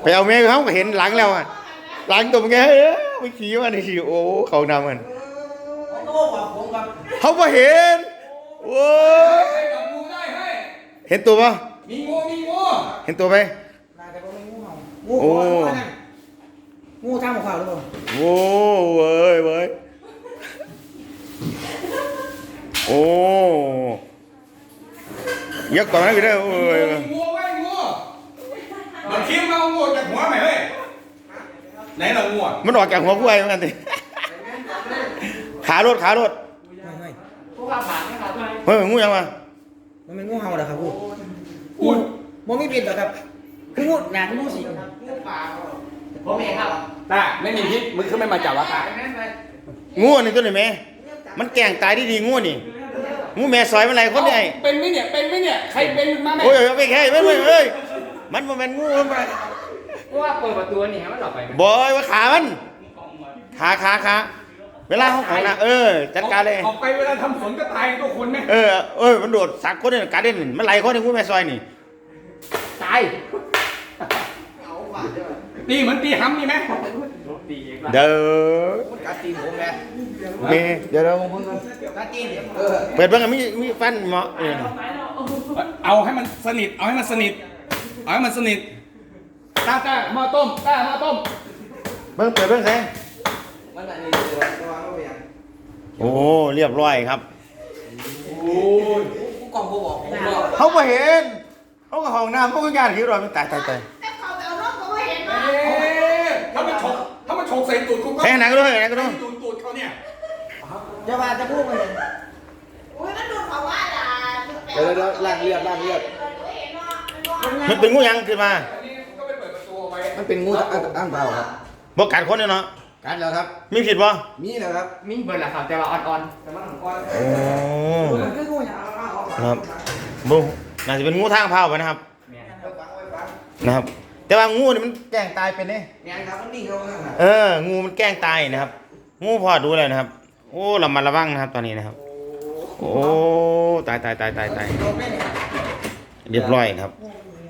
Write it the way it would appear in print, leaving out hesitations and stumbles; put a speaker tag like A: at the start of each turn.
A: ไปเอาแม่เขาก็เห็นหลังแล้วอ่ะหลังตัวแกไม่ขี่มาในขี่โอ้เขานำกันเขาไ่เห็นโอ้เห็นตัวปะ
B: มีงู
A: เห็นตัวไหม
C: งูเห่างูทำของเขาหรือเปล่า
A: โอ้เว้ยโอ้ยักษ์ก่อนนะพี่เด้อโอ้ย
B: งูมันคิ้วมางูจากหัวไหมเฮ้ยไหนเรางู
A: มันออกจากหัวกูไอ้เหมือนกันสิขารถ
C: ไม่
D: พวกเราผ่านไหมครับ
A: เฮ้ยงูยังมา
C: มันเป็นงูเห่าเหรอครับงูมันไม่เป็นหรอครับคืองูหนาคืองูสิง
D: ผมเองครับ
B: ตาไม่มีพิษมึงขึ้นไม่มาจับวะตา
A: งูนี่ตัวไหนแม่มันแกล้งตายดีงูนี่งูแม่ซอยมันอะไรคนเนี่ย
B: เป็นไหมเนี่ยใครเป็นมาไหม
A: โอ้ยไม่แค่ไม่เอ้ยมันเป็นงูมัน
D: เพราะว่าเปิดประตูนี่มันหลอกไป
A: บอยว่าขามันขาเวลาเขาของนะจัดการเลย
B: ออกไปเวลาทำฝนก็ตายตัวคนไหม
A: มันโดดสักคนเนี่ยการเด่นมันไหลคนในงูแม่ซอยนี่
D: ตาย
B: ตีเหมือนตีห้ำนี่ไหม
A: เด้อ
C: กัดตีนผมแ
A: เ
C: ก
A: เดี๋ยวเรา
C: กัดตีน
A: เปิดเบิ้งมีฟันเหมาะ
B: เอาให้มันสนิทตาหม้อต้ม
A: เบิ้งเปิดเบิ้งแสง
C: มันอันนี้ระวังระเบียง
A: โอ้เรียบร้อยครับ
B: โอ้ย
C: ผู้กองผู้บอก
A: เขาไม่เห็นเขาก็ห้องน้ำเขาก็งานขี้รอยมันตาย
B: ถ้ามันฉกใส่ตูดกูก็
A: แค่ไหนก็ได้
B: ตูดเขาเนี่ย
C: จะพูดมัน
E: อุ้ยมันดูดเขาว่าล่ะ
C: เดี๋ยวล่างเรียบ
A: มันเป็นงูยังขึ้นมา
B: ก็ไปเปิดประตูไว้
C: มันเป็นงูอ้างเปล่าครับ
A: บอกกัดคนเนาะ
C: กัดแล้วครับ
A: มีผิดป่ะ
C: มีแล้วครับ
D: มีเบิร์ดละครับแต่ว่าอ่อน
C: แต่มันของก้อน
A: โอ้
C: มันคืองูอย่าง
A: ครับบุน่าจะเป็นงูทางเผาไปนะครับแต่ว่างูนี่มันแกล้งตายเป็นเนี่ย
C: ครับมันนิ่งเขา
A: งูมันแกล้งตายนะครับงูพอดูเลยนะครับโอ้ระมัดระวังนะครับตอนนี้นะครับโอ้ตายเรียบร้อยครับ